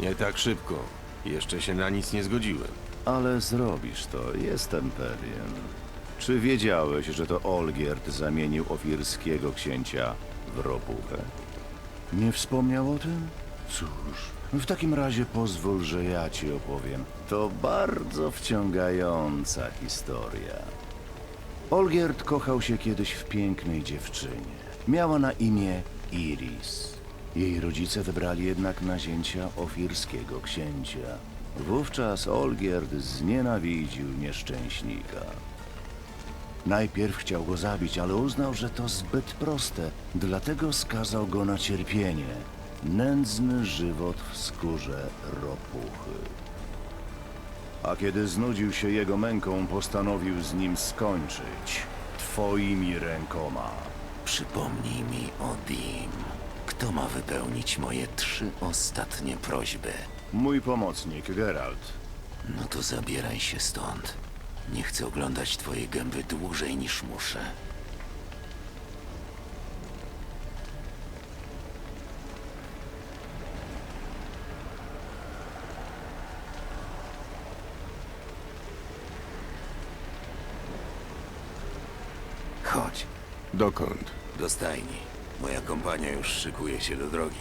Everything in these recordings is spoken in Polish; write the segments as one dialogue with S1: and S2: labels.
S1: Nie tak szybko. Jeszcze się na nic nie zgodziłem.
S2: Ale zrobisz to, jestem pewien. Czy wiedziałeś, że to Olgierd zamienił ofirskiego księcia w ropuchę? Nie wspomniał o tym? Cóż, w takim razie pozwól, że ja ci opowiem. To bardzo wciągająca historia. Olgierd kochał się kiedyś w pięknej dziewczynie. Miała na imię Iris. Jej rodzice wybrali jednak nazięcia ofirskiego księcia. Wówczas Olgierd znienawidził nieszczęśnika. Najpierw chciał go zabić, ale uznał, że to zbyt proste, dlatego skazał go na cierpienie. Nędzny żywot w skórze ropuchy. A kiedy znudził się jego męką, postanowił z nim skończyć. Twoimi rękoma.
S3: Przypomnij mi o Dim. Kto ma wypełnić moje 3 ostatnie prośby?
S2: Mój pomocnik, Geralt.
S3: No to zabieraj się stąd. Nie chcę oglądać twojej gęby dłużej niż muszę. Chodź,
S1: Dokąd?
S3: do stajni. Moja kompania już szykuje się do drogi.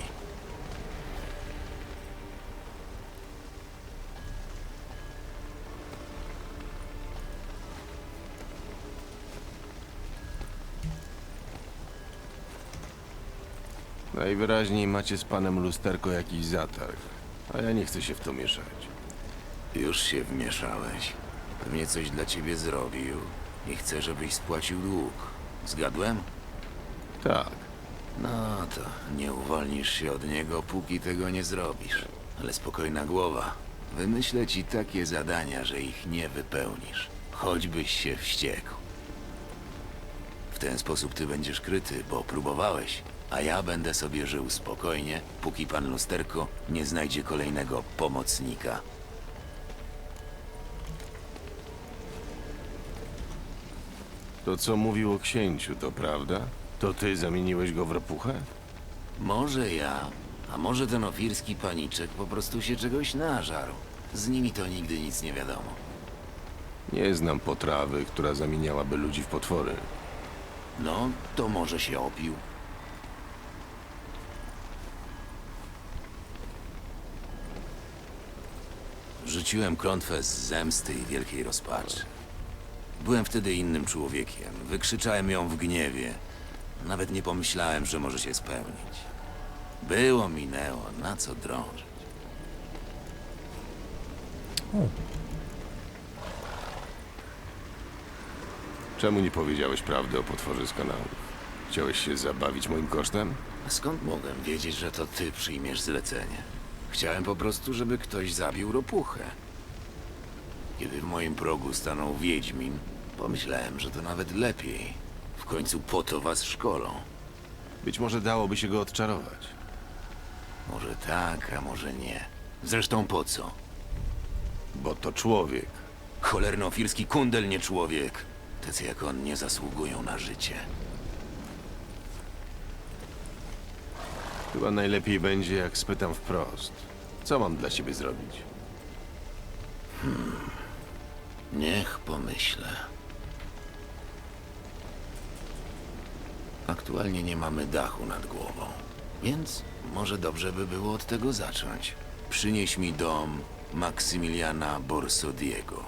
S1: Najwyraźniej macie z panem Lusterko jakiś zatarg. A ja nie chcę się w to mieszać.
S3: Już się wmieszałeś. Pewnie coś dla ciebie zrobił i chce, żebyś spłacił dług. Zgadłem?
S1: Tak.
S3: No to nie uwolnisz się od niego, póki tego nie zrobisz. Ale spokojna głowa. Wymyślę ci takie zadania, że ich nie wypełnisz. Choćbyś się wściekł. W ten sposób ty będziesz kryty, bo próbowałeś. A ja będę sobie żył spokojnie, póki pan Lusterko nie znajdzie kolejnego pomocnika.
S1: To, co mówił o księciu, to prawda? To ty zamieniłeś go w ropuchę?
S3: Może ja, a może ten ofirski paniczek po prostu się czegoś nażarł. Z nimi to nigdy nic nie wiadomo.
S1: Nie znam potrawy, która zamieniałaby ludzi w potwory.
S3: No, to może się opił. Rzuciłem klątwę z zemsty i wielkiej rozpaczy. Byłem wtedy innym człowiekiem. Wykrzyczałem ją w gniewie. Nawet nie pomyślałem, że może się spełnić. Było, minęło, na co drążyć.
S1: Czemu nie powiedziałeś prawdy o potworze z kanałów? Chciałeś się zabawić moim kosztem?
S3: A skąd mogłem wiedzieć, że to ty przyjmiesz zlecenie? Chciałem po prostu, żeby ktoś zabił ropuchę. Kiedy w moim progu stanął Wiedźmin, pomyślałem, że to nawet lepiej. W końcu po to was szkolą.
S1: Być może dałoby się go odczarować.
S3: Może tak, a może nie. Zresztą po co?
S1: Bo to człowiek.
S3: Cholerno-ofirski kundel, nie człowiek. Tacy jak on nie zasługują na życie.
S1: Chyba najlepiej będzie, jak spytam wprost. Co mam dla ciebie zrobić?
S3: Niech pomyślę. Aktualnie nie mamy dachu nad głową, więc może dobrze by było od tego zacząć. Przynieś mi dom Maksymiliana Borsodiego.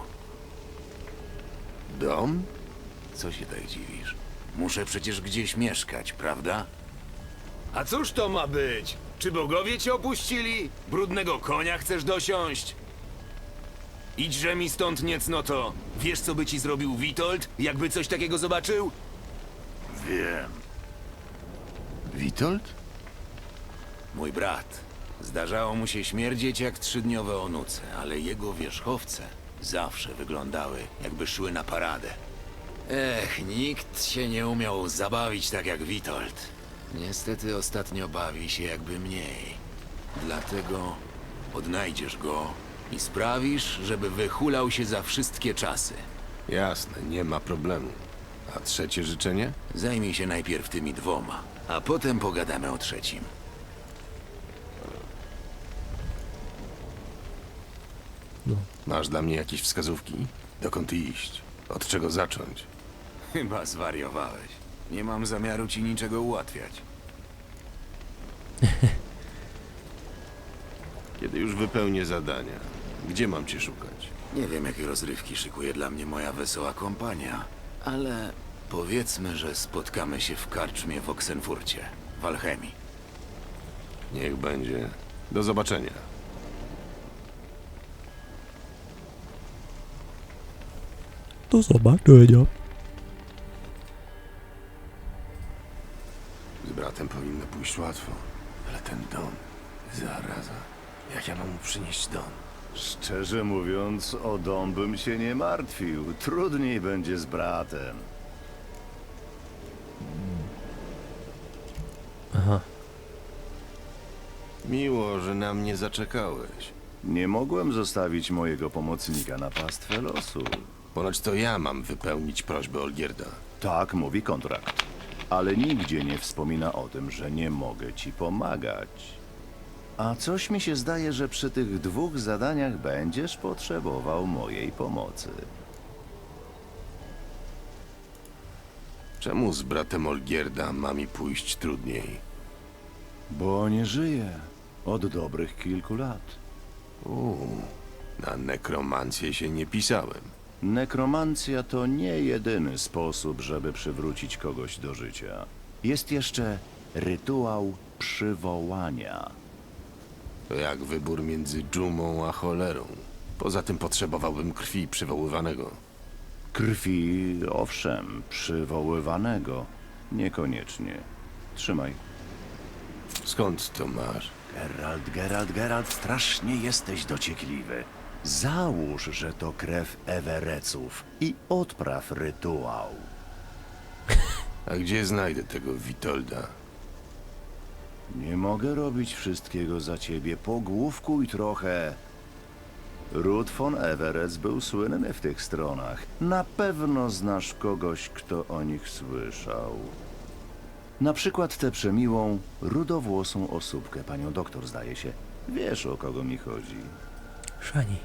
S1: Dom?
S3: Co się tak dziwisz? Muszę przecież gdzieś mieszkać, prawda?
S4: A cóż to ma być? Czy bogowie cię opuścili? Brudnego konia chcesz dosiąść? Idźże mi stąd niecnoto. Wiesz, co by ci zrobił Witold, jakby coś takiego zobaczył?
S2: Wiem.
S1: Witold?
S3: Mój brat. Zdarzało mu się śmierdzieć jak 3-dniowe onuce, ale jego wierzchowce zawsze wyglądały, jakby szły na paradę. Ech, nikt się nie umiał zabawić tak jak Witold. Niestety ostatnio bawi się jakby mniej. Dlatego odnajdziesz go i sprawisz, żeby wyhulał się za wszystkie czasy.
S1: Jasne, nie ma problemu. A trzecie życzenie?
S3: Zajmij się najpierw tymi 2, a potem pogadamy o trzecim.
S5: No.
S1: Masz dla mnie jakieś wskazówki? Dokąd iść? Od czego zacząć?
S3: Chyba zwariowałeś. Nie mam zamiaru ci niczego ułatwiać.
S1: Kiedy już wypełnię zadania, gdzie mam cię szukać?
S3: Nie wiem, jakie rozrywki szykuje dla mnie moja wesoła kompania, ale powiedzmy, że spotkamy się w karczmie w Oksenfurcie, w Alchemii.
S1: Niech będzie. Do zobaczenia.
S5: Do zobaczenia.
S1: Z bratem powinno pójść łatwo, ale ten Don, zaraza. Jak ja mam mu przynieść Don?
S2: Szczerze mówiąc, o dom bym się nie martwił. Trudniej będzie z bratem.
S5: Aha.
S1: Miło, że na mnie zaczekałeś.
S2: Nie mogłem zostawić mojego pomocnika na pastwę losu.
S1: Ponoć to ja mam wypełnić prośbę Olgierda.
S2: Tak mówi kontrakt. Ale nigdzie nie wspomina o tym, że nie mogę ci pomagać. A coś mi się zdaje, że przy tych 2 zadaniach będziesz potrzebował mojej pomocy.
S1: Czemu z bratem Olgierda ma mi pójść trudniej?
S2: Bo nie żyję od dobrych kilku lat.
S1: Na nekromancję się nie pisałem.
S2: Nekromancja to nie jedyny sposób, żeby przywrócić kogoś do życia. Jest jeszcze rytuał przywołania.
S1: To jak wybór między dżumą a cholerą. Poza tym potrzebowałbym krwi przywoływanego.
S2: Krwi, owszem, przywoływanego. Niekoniecznie. Trzymaj.
S1: Skąd to masz?
S2: Geralt, strasznie jesteś dociekliwy. Załóż, że to krew Ewereców i odpraw rytuał.
S1: A gdzie znajdę tego Witolda?
S2: Nie mogę robić wszystkiego za ciebie. Pogłówkuj trochę. Ruth von Everett był słynny w tych stronach. Na pewno znasz kogoś, kto o nich słyszał. Na przykład tę przemiłą, rudowłosą osóbkę, panią doktor, zdaje się. Wiesz, o kogo mi chodzi.
S5: Szani.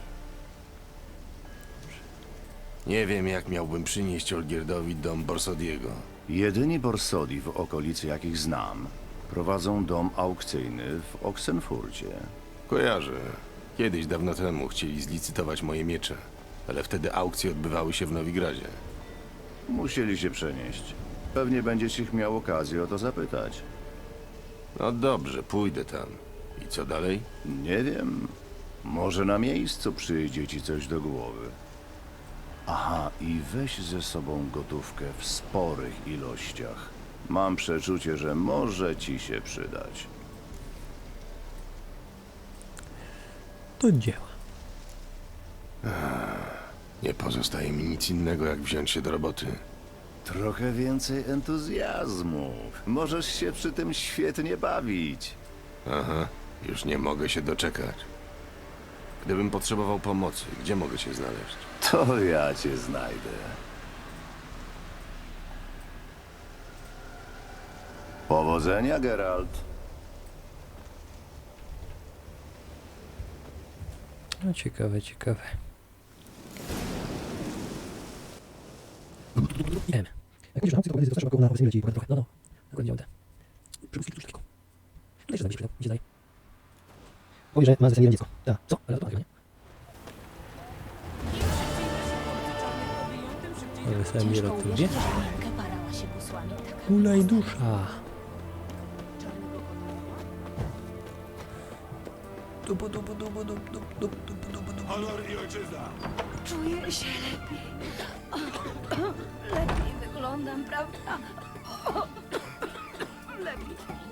S1: Nie wiem, jak miałbym przynieść Olgierdowi dom Borsodiego.
S2: Jedyni Borsodi w okolicy, jakich znam, prowadzą dom aukcyjny w Oksenfurcie.
S1: Kojarzę. Kiedyś, dawno temu, chcieli zlicytować moje miecze, ale wtedy aukcje odbywały się w Nowigradzie.
S2: Musieli się przenieść. Pewnie będziesz ich miał okazję o to zapytać.
S1: No dobrze, pójdę tam. I co dalej?
S2: Nie wiem. Może na miejscu przyjdzie ci coś do głowy. Aha, i weź ze sobą gotówkę w sporych ilościach. Mam przeczucie, że może ci się przydać.
S5: Do dzieła.
S1: Nie pozostaje mi nic innego, jak wziąć się do roboty.
S2: Trochę więcej entuzjazmu. Możesz się przy tym świetnie bawić.
S1: Aha, już nie mogę się doczekać. Gdybym potrzebował pomocy, gdzie mogę cię znaleźć?
S2: To ja cię znajdę. Powodzenia, Geralt.
S5: No ciekawe, ciekawe. Idziemy. Jak widzisz, na aukcji to zawsze około na obecnie leci trochę. No, dokładnie działam. Przywódzki coś takiego. Tutaj się zabierz, przydał. Gdzie dalej? Powie, że ma zasadnie dziecko. Tak, co? Ale to chyba nie. Ale sami rotuje. Ulej dusza. Dubu, dubu, dubu, dubu, dubu, dubu, dubu, dubu.
S4: Honor i ojczyzna!
S6: Czuję się lepiej. Lepiej wyglądam, prawda? Lepiej.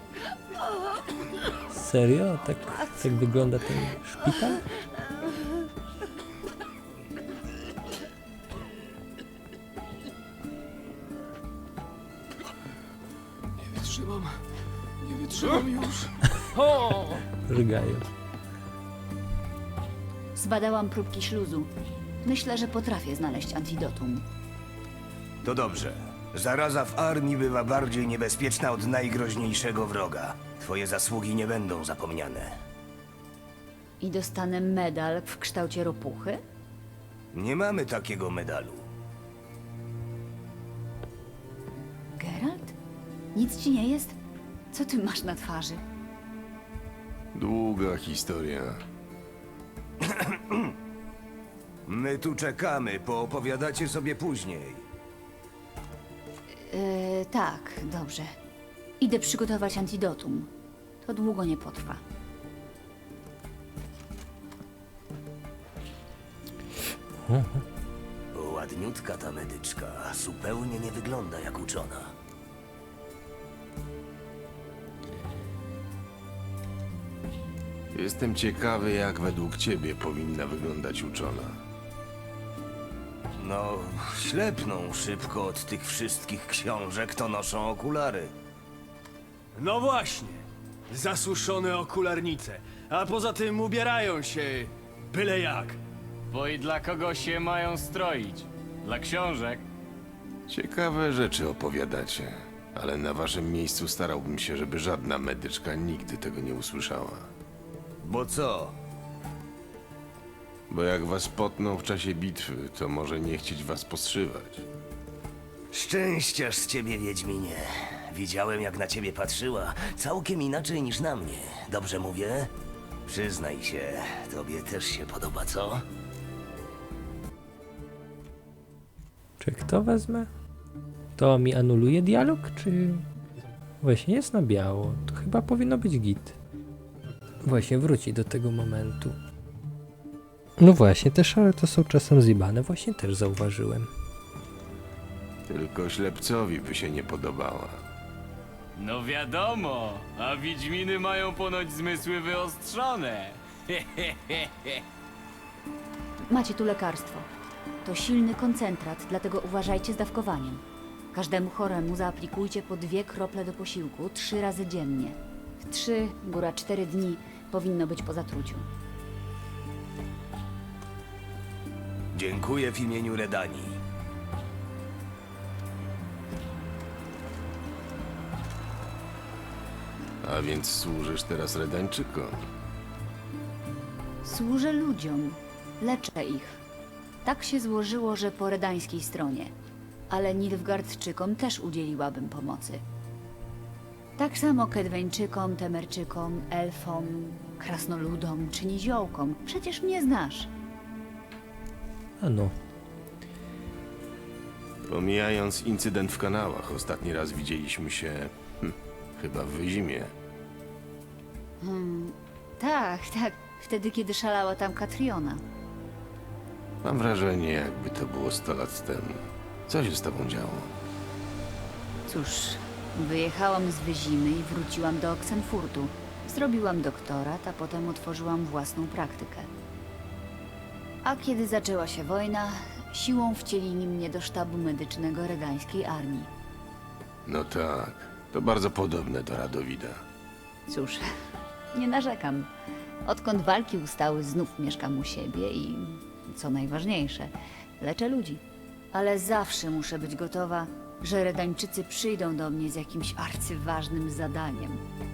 S5: Serio? Tak wygląda ten szpital?
S4: Nie wytrzymam już.
S5: Rygają.
S6: Zbadałam próbki śluzu. Myślę, że potrafię znaleźć antidotum.
S7: To dobrze. Zaraza w armii bywa bardziej niebezpieczna od najgroźniejszego wroga. Twoje zasługi nie będą zapomniane.
S6: I dostanę medal w kształcie ropuchy?
S7: Nie mamy takiego medalu.
S6: Geralt? Nic ci nie jest? Co ty masz na twarzy?
S1: Długa historia.
S7: My tu czekamy, poopowiadacie sobie później.
S6: Tak, dobrze. Idę przygotować antidotum. To długo nie potrwa.
S7: Ładniutka ta medyczka, zupełnie nie wygląda jak uczona.
S1: Jestem ciekawy, jak według ciebie powinna wyglądać uczona.
S7: No, ślepną szybko od tych wszystkich książek, to noszą okulary.
S8: No właśnie. Zasuszone okularnice. A poza tym ubierają się byle jak.
S9: Bo i dla kogo się mają stroić? Dla książek?
S1: Ciekawe rzeczy opowiadacie, ale na waszym miejscu starałbym się, żeby żadna medyczka nigdy tego nie usłyszała.
S7: Bo co?
S1: Bo jak was potną w czasie bitwy, to może nie chcieć was postrzywać.
S7: Szczęściarz z ciebie, Wiedźminie. Widziałem, jak na ciebie patrzyła. Całkiem inaczej niż na mnie. Dobrze mówię? Przyznaj się, tobie też się podoba, co?
S5: Czy kto wezmę? To mi anuluje dialog, czy... Właśnie jest na biało. To chyba powinno być git. Właśnie wróci do tego momentu. No właśnie, te szale to są czasem zjebane. Właśnie też zauważyłem.
S1: Tylko ślepcowi by się nie podobała.
S9: No wiadomo, a wiedźminy mają ponoć zmysły wyostrzone.
S6: Macie tu lekarstwo. To silny koncentrat, dlatego uważajcie z dawkowaniem. Każdemu choremu zaaplikujcie po 2 krople do posiłku 3 razy dziennie. W 3, góra 4 dni powinno być po zatruciu.
S7: Dziękuję w imieniu Redanii.
S1: A więc służysz teraz Redańczykom.
S6: Służę ludziom, leczę ich. Tak się złożyło, że po redańskiej stronie. Ale Nilfgaardczykom też udzieliłabym pomocy. Tak samo Kedweńczykom, Temerczykom, Elfom, Krasnoludom czy Niziołkom. Przecież mnie znasz.
S5: A no.
S1: Pomijając incydent w kanałach, ostatni raz widzieliśmy się... chyba w Wyzimie.
S6: Tak, tak. Wtedy, kiedy szalała tam Katriona.
S1: Mam wrażenie, jakby to było 100 lat temu. Co się z tobą działo?
S6: Cóż, wyjechałam z Wyzimy i wróciłam do Oxenfurtu. Zrobiłam doktorat, a potem otworzyłam własną praktykę. A kiedy zaczęła się wojna, siłą wcielili mnie do sztabu medycznego redańskiej armii.
S1: No tak, to bardzo podobne do Radowida.
S6: Cóż, nie narzekam. Odkąd walki ustały, znów mieszkam u siebie i, co najważniejsze, leczę ludzi. Ale zawsze muszę być gotowa, że Redańczycy przyjdą do mnie z jakimś arcyważnym zadaniem.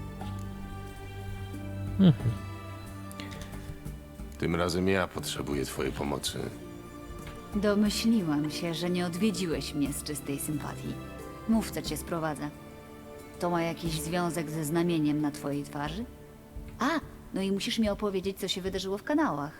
S1: Tym razem ja potrzebuję twojej pomocy.
S6: Domyśliłam się, że nie odwiedziłeś mnie z czystej sympatii. Mów, co cię sprowadza. To ma jakiś związek ze znamieniem na twojej twarzy? A, no i musisz mi opowiedzieć, co się wydarzyło w kanałach.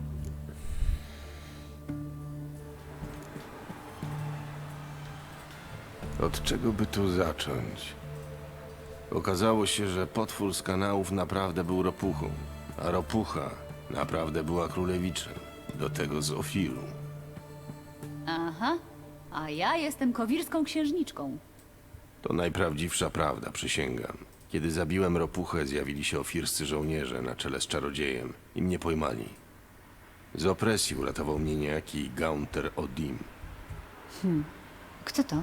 S1: Od czego by tu zacząć? Okazało się, że potwór z kanałów naprawdę był ropuchą, a ropucha naprawdę była królewiczem, do tego z Ofiru.
S6: Aha, a ja jestem kowirską księżniczką.
S1: To najprawdziwsza prawda, przysięgam. Kiedy zabiłem ropuchę, zjawili się ofirscy żołnierze na czele z czarodziejem i mnie pojmali. Z opresji uratował mnie niejaki Gaunter Odim.
S6: Kto to?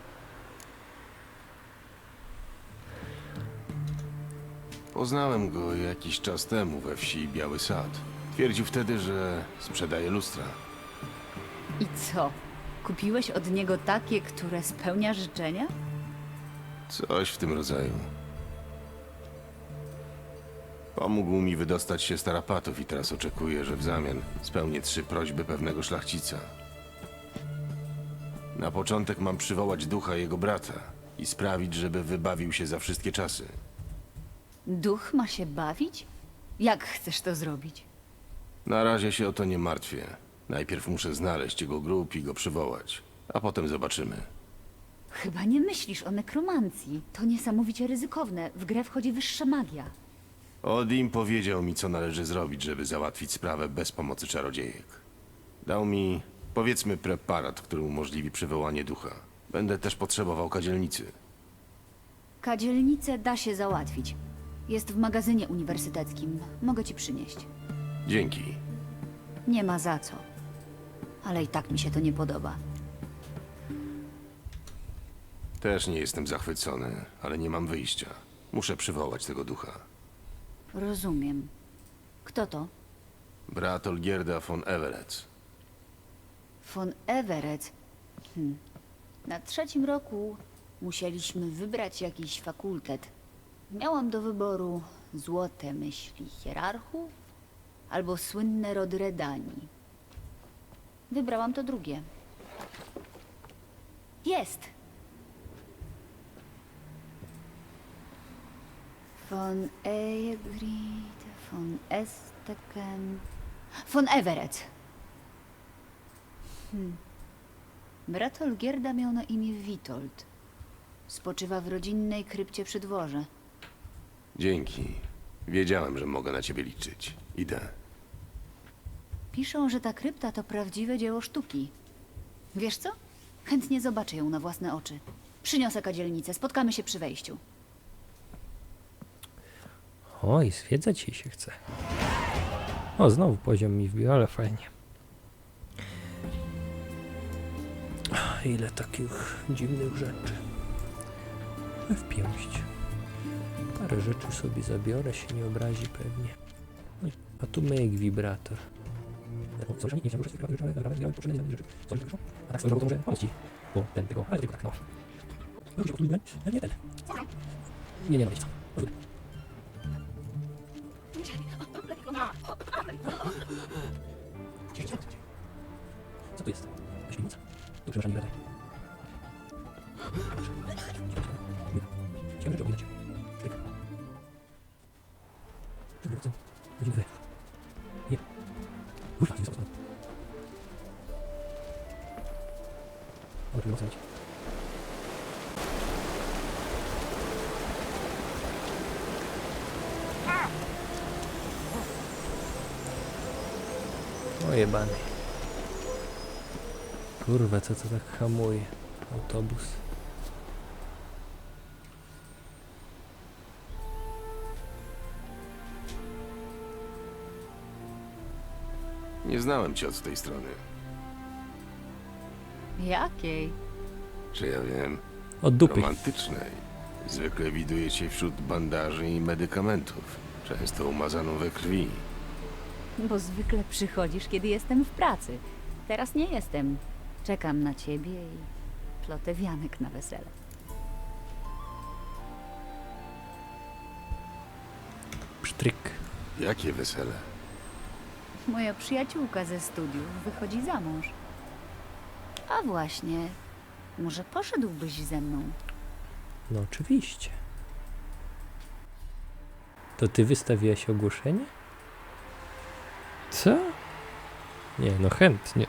S1: Poznałem go jakiś czas temu we wsi Biały Sad. Twierdził wtedy, że sprzedaje lustra.
S6: I co? Kupiłeś od niego takie, które spełnia życzenia?
S1: Coś w tym rodzaju. Pomógł mi wydostać się z tarapatów i teraz oczekuje, że w zamian spełnię 3 prośby pewnego szlachcica. Na początek mam przywołać ducha jego brata i sprawić, żeby wybawił się za wszystkie czasy.
S6: Duch ma się bawić? Jak chcesz to zrobić?
S1: Na razie się o to nie martwię. Najpierw muszę znaleźć jego grób i go przywołać, a potem zobaczymy.
S6: Chyba nie myślisz o nekromancji. To niesamowicie ryzykowne. W grę wchodzi wyższa magia.
S1: Odim powiedział mi, co należy zrobić, żeby załatwić sprawę bez pomocy czarodziejek. Dał mi, powiedzmy, preparat, który umożliwi przywołanie ducha. Będę też potrzebował kadzielnicy.
S6: Kadzielnicę da się załatwić. Jest w magazynie uniwersyteckim. Mogę ci przynieść.
S1: Dzięki.
S6: Nie ma za co. Ale i tak mi się to nie podoba.
S1: Też nie jestem zachwycony, ale nie mam wyjścia. Muszę przywołać tego ducha.
S6: Rozumiem. Kto to?
S1: Brat Olgierda von Everett.
S6: Von Everett. Na 3. roku musieliśmy wybrać jakiś fakultet. Miałam do wyboru złote myśli hierarchów albo słynne rody Redanii. Wybrałam to drugie. Jest! Von Egrid, von Esteken, von Everett. Brat Olgierda miał na imię Witold. Spoczywa w rodzinnej krypcie przy dworze.
S1: Dzięki. Wiedziałem, że mogę na ciebie liczyć. Idę.
S6: Piszą, że ta krypta to prawdziwe dzieło sztuki. Wiesz co? Chętnie zobaczę ją na własne oczy. Przyniosę kadzielnicę, spotkamy się przy wejściu.
S5: Oj, zwiedzać jej się chce. O, znowu poziom mi wbił, ale fajnie. Ile takich dziwnych rzeczy. W pięść. Parę rzeczy sobie zabiorę, się nie obrazi pewnie. A tu myk wibrator. Nie, no co tu jest? Śminica? Tu przepraszam, nie gadaj. Chciałem rzeczy ominąć. Sztyk. Godziny wy. Nie. Kurwa, nie zostało. Ale tu nie ocenić. O jebany. Kurwa, co to tak hamuje? Autobus.
S1: Nie znałem cię od tej strony.
S6: Jakiej?
S1: Czy ja wiem?
S5: Od dupy.
S1: Romantycznej. Zwykle widuję cię wśród bandaży i medykamentów. Często umazaną we krwi.
S6: Bo zwykle przychodzisz, kiedy jestem w pracy. Teraz nie jestem. Czekam na ciebie i plotę wianek na wesele.
S5: Psztryk.
S1: Jakie wesele?
S6: Moja przyjaciółka ze studiów wychodzi za mąż. A właśnie, może poszedłbyś ze mną?
S5: No oczywiście. To ty wystawiłaś ogłoszenie? Co? Nie, no chętnie.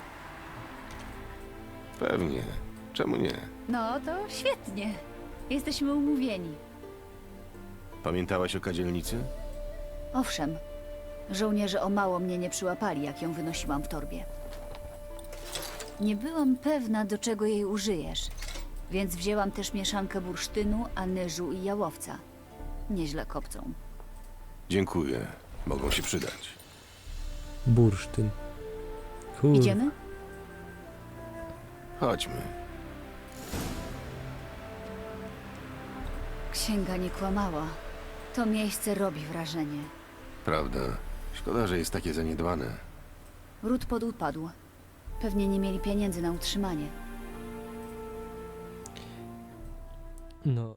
S1: Pewnie. Czemu nie?
S6: No to świetnie. Jesteśmy umówieni.
S1: Pamiętałaś o kadzielnicy?
S6: Owszem, żołnierze o mało mnie nie przyłapali, jak ją wynosiłam w torbie. Nie byłam pewna, do czego jej użyjesz, więc wzięłam też mieszankę bursztynu, anyżu i jałowca. Nieźle kopcą.
S1: Dziękuję. Mogą się przydać.
S5: Bursztyn. Kur...
S6: Idziemy?
S1: Chodźmy.
S6: Księga nie kłamała. To miejsce robi wrażenie.
S1: Prawda? Szkoda, że jest takie zaniedbane.
S6: Ród podupadł. Pewnie nie mieli pieniędzy na utrzymanie.
S5: No.